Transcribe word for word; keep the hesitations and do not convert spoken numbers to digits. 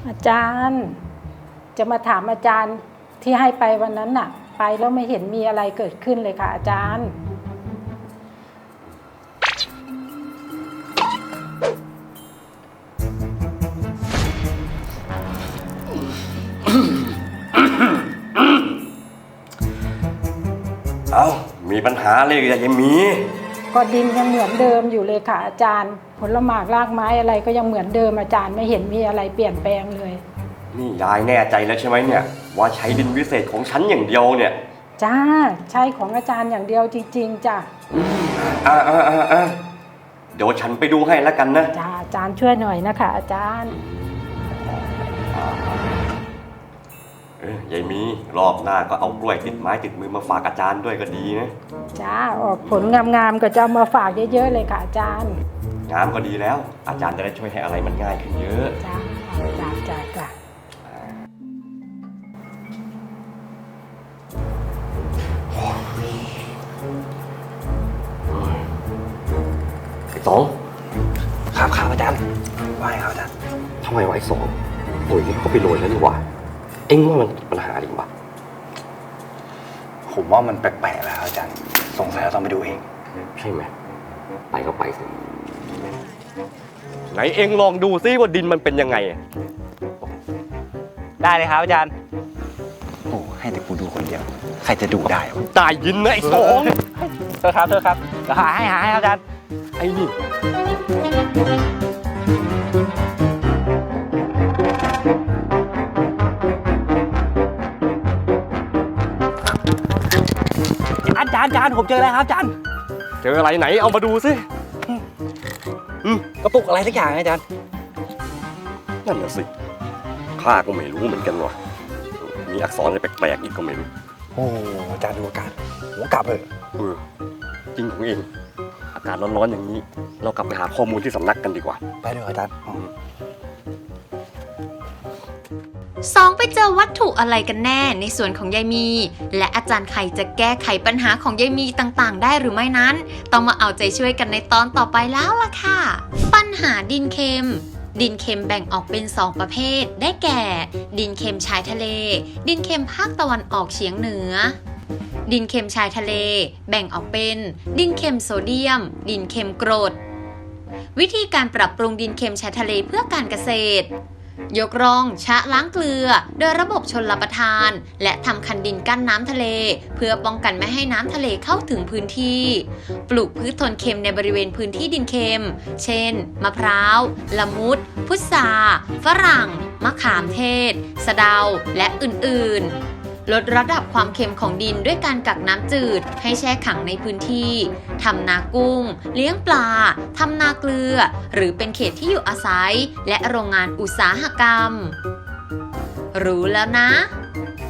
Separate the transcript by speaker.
Speaker 1: อาจารย์จะมาถามอาจารย์ที่ให้ไปวันนั้นน่ะไปแล้วไม่เห็นมีอะไรเกิดขึ้นเลยค่ะอาจารย์
Speaker 2: เอามีปัญหาอะไรกันยังมี
Speaker 1: ก็ดินยังเหมือนเดิมอยู่เลยค่ะอาจารย์ผลหมากรากไม้อะไรก็ยังเหมือนเดิมอาจารย์ไม่เห็นมีอะไรเปลี่ยนแปลงเลย
Speaker 2: นี่ยายแน่ใจแล้วใช่ไหมเนี่ยว่าใช้ดินวิเศษของฉันอย่างเดียวเนี่ย
Speaker 1: จ้าใช่ของอาจารย์อย่างเดียวจริงๆจ้ะ
Speaker 2: อ่าอ่าอ่าอ่าเดี๋ยวฉันไปดูให้แล้วกันนะ
Speaker 1: จ้าอาจารย์ช่วยหน่อยนะคะอาจารย์
Speaker 2: เออยายมีรอบหน้าก็เอากล้วยติดไม้ติดมือมาฝากอาจารย์ด้วยก็ดีนะ
Speaker 1: จ้าออกผลงามๆก็จะเอามาฝากเยอะๆเลยค่ะอาจารย์
Speaker 2: งามก็ดีแล้วอาจารย์จะได้ช่วยให้อะไรมันง่ายขึ้นเยอะ
Speaker 1: จ้าจ้าจ้าจ้า
Speaker 2: ไอ้สอง
Speaker 3: ครับครับอาจารย์ว่าไงครับอาจารย์
Speaker 2: ทำไมวะไอ้สองปุ๋ยนี่เขาไปโรยแล้วนี่หว่าเอ็งว่ามันปัญหาจริงปะ
Speaker 3: ผมว่ามันแปลกๆแล้วอาจารย์สงสัยเราต้องไปดูเอง
Speaker 2: ใช่ไหมไปก็ไปสิไหนเอ็งลองดูซิว่าดินมันเป็นยังไง
Speaker 3: ได้เลยครับอาจารย์โอ้ให้แต่กูดูคนเดียวใครจะดูได้วะ
Speaker 2: ตายยินนะไอ้สอง
Speaker 3: เธอครับเธอครับเดี๋ยวหาให้หาให้อาจารย์
Speaker 2: ไอ้นี่
Speaker 3: อาจารย์อาจารย์ผมเจอแล้วครับอาจารย์
Speaker 2: เจออะไรไหนเอามาดูสิ
Speaker 3: กระปุกอะไรสักอย่างอาจารย์
Speaker 2: นั่นน่ะสิข้าก็ไม่รู้เหมือนกันว่ะมีอักษรอะไรแปลกๆอีกก็ไม่รู้
Speaker 3: โอ้อาจารย์ดูอากาศผมกลับเลย
Speaker 2: เออจริงของเองอากาศร้อนๆอย่างนี้เรากลับไปหาข้อมูลที่สำนักกันดีกว่า
Speaker 3: ไปเลยอาจารย์
Speaker 4: สองไปเจอวัตถุอะไรกันแน่ในส่วนของยายมีและอาจารย์ไข่จะแก้ไขปัญหาของยายมีต่างๆได้หรือไม่นั้นต้องมาเอาใจช่วยกันในตอนต่อไปแล้วล่ะค่ะปัญหาดินเค็มดินเค็มแบ่งออกเป็นสองประเภทได้แก่ ดินเค็มชายทะเลดินเค็มภาคตะวันออกเฉียงเหนือดินเค็มชายทะเลแบ่งออกเป็นดินเค็มโซเดียมดินเค็มกรดวิธีการปรับปรุงดินเค็มชายทะเลเพื่อการเกษตรยกร่องชะล้างเกลือโดยระบบชลประทานและทำคันดินกั้นน้ำทะเลเพื่อป้องกันไม่ให้น้ำทะเลเข้าถึงพื้นที่ปลูกพืชทนเค็มในบริเวณพื้นที่ดินเค็มเช่นมะพร้าวละมุดพุทราฝรั่งมะขามเทศสะเดาและอื่นๆลดระดับความเค็มของดินด้วยการกักน้ำจืดให้แช่ขังในพื้นที่ทำนากุ้งเลี้ยงปลาทำนาเกลือหรือเป็นเขตที่อยู่อาศัยและโรงงานอุตสาหกรรมรู้แล้วนะ